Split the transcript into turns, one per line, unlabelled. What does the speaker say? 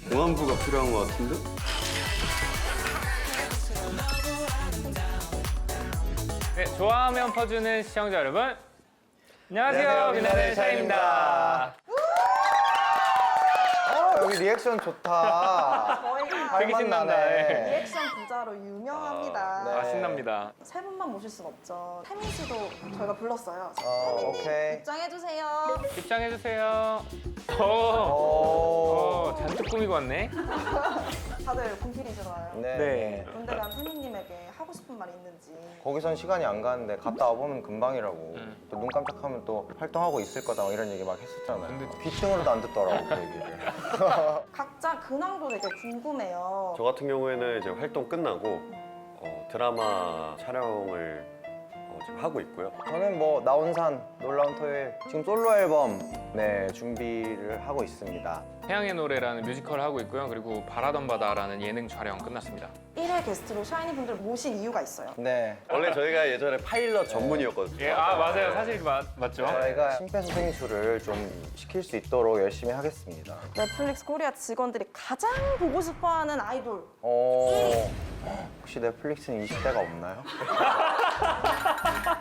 공안부가 필요한 것 같은데?
네, 좋아하면 퍼주는 시청자 여러분, 안녕하세요. 빛나는 샤인입니다.
여기 리액션 좋다.
저희가
되게 신난다. 네.
리액션 부자로 유명합니다.
네.
아, 신납니다.
세 분만 모실 순 없죠. 태민 씨도 저희가 불렀어요.
오케이.
입장해주세요.
입장해주세요.
오.
잔뜩 꾸미고 왔네.
다들 군필이시잖아요.
네.
네.
군대 간 태민님에게 하고 싶은 말 있는지.
거기선 시간이 안 가는데 갔다 와보면 금방이라고. 또 눈 깜짝하면 또 활동하고 있을 거다 뭐 이런 얘기 막 했었잖아요. 근데 귀등으로도 안 듣더라고 그 얘기를.
각자 근황도 되게 궁금해요.
저 같은 경우에는 이제 활동 끝나고 드라마 촬영을 지금 하고 있고요.
저는 뭐 나온산 놀라운 토요일 지금 솔로 앨범 준비를 하고 있습니다.
태양의 노래라는 뮤지컬을 하고 있고요. 그리고 바라던 바다라는 예능 촬영 끝났습니다.
1회 게스트로 샤이니 분들 모신 이유가 있어요.
네.
원래 저희가 예전에 파일럿 전문이었거든요.
예, 맞아요. 사실 맞죠?
저희가 심폐소생술을 좀 시킬 수 있도록 열심히 하겠습니다.
넷플릭스 코리아 직원들이 가장 보고 싶어하는 아이돌.
혹시 넷플릭스는 20대가 없나요?